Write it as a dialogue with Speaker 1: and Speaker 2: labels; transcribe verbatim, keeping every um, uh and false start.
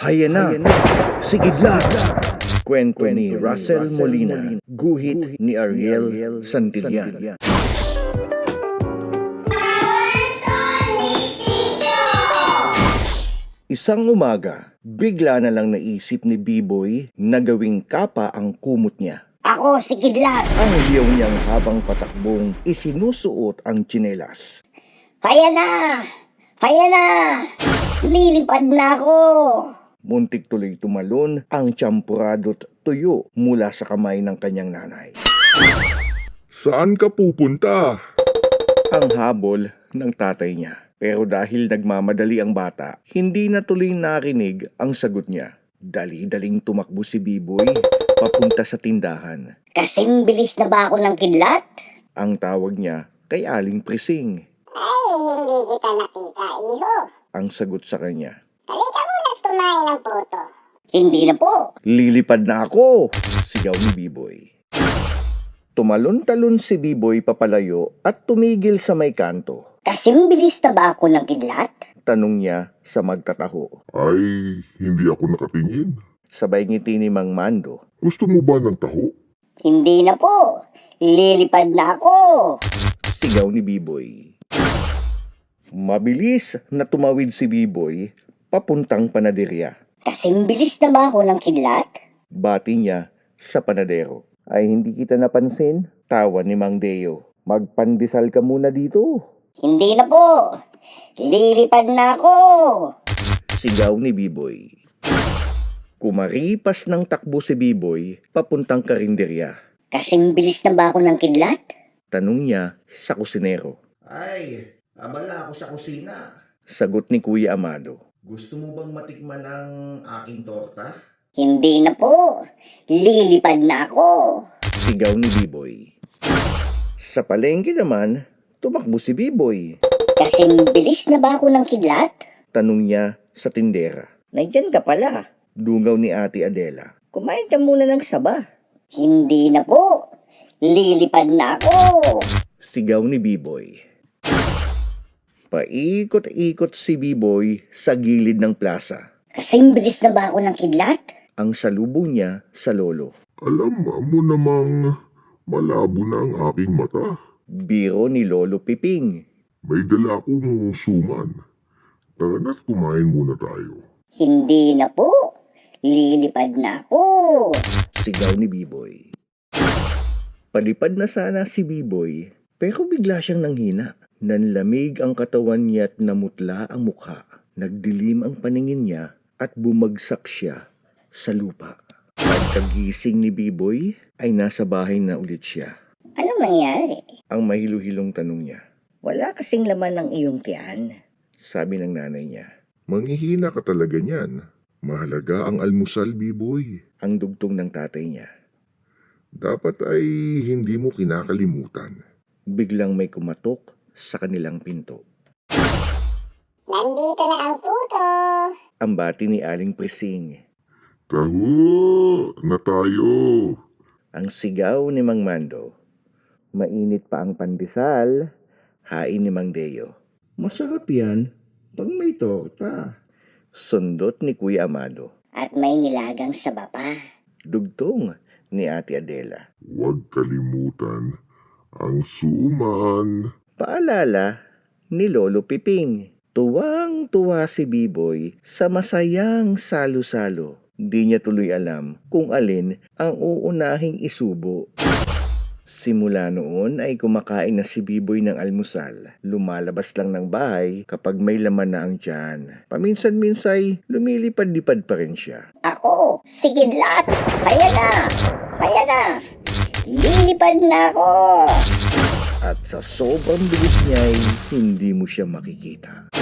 Speaker 1: Haya na, sigidlat! Kwento ni Russell Molina, guhit ni Ariel Santillan. Isang umaga, bigla na lang naisip ni B-Boy na gawing kapa ang kumot niya.
Speaker 2: Ako si Kidlat.
Speaker 1: Ang hiyaw niyang habang patakbong isinusuot ang tsinelas.
Speaker 2: Kaya na! Kaya na! Lilipad na ako!
Speaker 1: Muntik tuloy tumalon ang tsampurado't tuyo mula sa kamay ng kanyang nanay.
Speaker 3: Saan ka pupunta?
Speaker 1: Ang habol ng tatay niya. Pero dahil nagmamadali ang bata, hindi na tuloy narinig ang sagot niya. Dali-daling tumakbo si B-Boy papunta sa tindahan.
Speaker 2: Kasing bilis na ba ako ng Kidlat?
Speaker 1: Ang tawag niya kay Aling Prising.
Speaker 4: Ay, hindi kita nakita, iho.
Speaker 1: Ang sagot sa kanya.
Speaker 4: Halika muna tumain ng puto.
Speaker 2: Hindi na po.
Speaker 1: Lilipad na ako! Sigaw ni B-Boy. Tumalon-talon si B-Boy papalayo at tumigil sa may kanto.
Speaker 2: Kasing bilis na ba ako ng Kidlat?
Speaker 1: Tanong niya sa magtataho.
Speaker 3: Ay, hindi ako nakatingin.
Speaker 1: Sabay ngiti ni Mang Mando.
Speaker 3: Gusto mo ba ng taho?
Speaker 2: Hindi na po. Lilipad na ako.
Speaker 1: Sigaw ni B-Boy. Mabilis na tumawid si B-Boy papuntang panaderya.
Speaker 2: Kasing bilis na ba ako ng Kidlat?
Speaker 1: Bati niya sa panadero. Ay hindi kita napansin? Tawa ni Mang Deo. Magpandesal ka muna dito.
Speaker 2: Hindi na po. Lilipad na ako.
Speaker 1: Sigaw ni B-Boy. Kumaripas ng takbo si B-Boy papuntang karinderya.
Speaker 2: Kasing bilis na ba ako ng Kidlat?
Speaker 1: Tanong niya sa kusinero.
Speaker 5: Ay, abala ako sa kusina.
Speaker 1: Sagot ni Kuya Amado.
Speaker 5: Gusto mo bang matikman ang aking torta?
Speaker 2: Hindi na po. Lilipad na ako.
Speaker 1: Sigaw ni B-Boy. Sa palengke naman, tumakbo si B-Boy.
Speaker 2: Kasing bilis na ba ako ng Kidlat?
Speaker 1: Tanong niya sa tindera.
Speaker 6: Nandyan ka pala.
Speaker 1: Dungaw ni Ate Adela.
Speaker 6: Kumain ka muna ng saba.
Speaker 2: Hindi na po. Lilipad na ako.
Speaker 1: Sigaw ni B-Boy. Paikot-ikot si B-Boy sa gilid ng plaza.
Speaker 2: Kasing bilis na ba ako ng Kidlat?
Speaker 1: Ang salubong niya sa lolo.
Speaker 3: Alam mo namang malabo na ang aking mata.
Speaker 1: Biro ni Lolo Piping.
Speaker 3: May dala akong suman. Tara na't kumain muna tayo.
Speaker 2: Hindi na po. Lilipad na ako.
Speaker 1: Sigaw ni B-Boy. Palipad na sana si B-Boy, pero bigla siyang nanghina. Nanlamig ang katawan niya at namutla ang mukha. Nagdilim ang paningin niya at bumagsak siya sa lupa. Pagkagising ni B-Boy ay nasa bahay na ulit siya.
Speaker 2: Anong nangyari?
Speaker 1: Ang mahiluhilong tanong niya.
Speaker 6: Wala kasing laman ng iyong tiyan.
Speaker 1: Sabi ng nanay niya.
Speaker 3: Manghihina ka talaga niyan. Mahalaga ang almusal, B-Boy.
Speaker 1: Ang dugtong ng tatay niya.
Speaker 3: Dapat ay hindi mo kinakalimutan.
Speaker 1: Biglang may kumatok sa kanilang pinto.
Speaker 4: Nandito na ang puto.
Speaker 1: Ang bati ni Aling Prising.
Speaker 3: Taho na tayo.
Speaker 1: Ang sigaw ni Mang Mando. Mainit pa ang pandesal. Hain ni Mang Deo. Masarap yan pag may torta. Sundot ni Kuya Amado.
Speaker 2: At may nilagang saba pa.
Speaker 1: Dugtong ni Ate Adela.
Speaker 3: Huwag kalimutan ang suman.
Speaker 1: Paalala ni Lolo Piping. Tuwang-tuwa si B-Boy sa masayang salo-salo. Di niya tuloy alam kung alin ang uunahing isubo. Simula noon ay kumakain na si B-Boy ng almusal. Lumalabas lang ng bahay kapag may laman na ang tiyan. Paminsan-minsay, lumilipad-lipad pa rin siya.
Speaker 2: Ako, si Kidlat. Kaya na. Kaya na. Lilipad na ako.
Speaker 1: At sa sobrang bilis niya ay hindi mo siya makikita.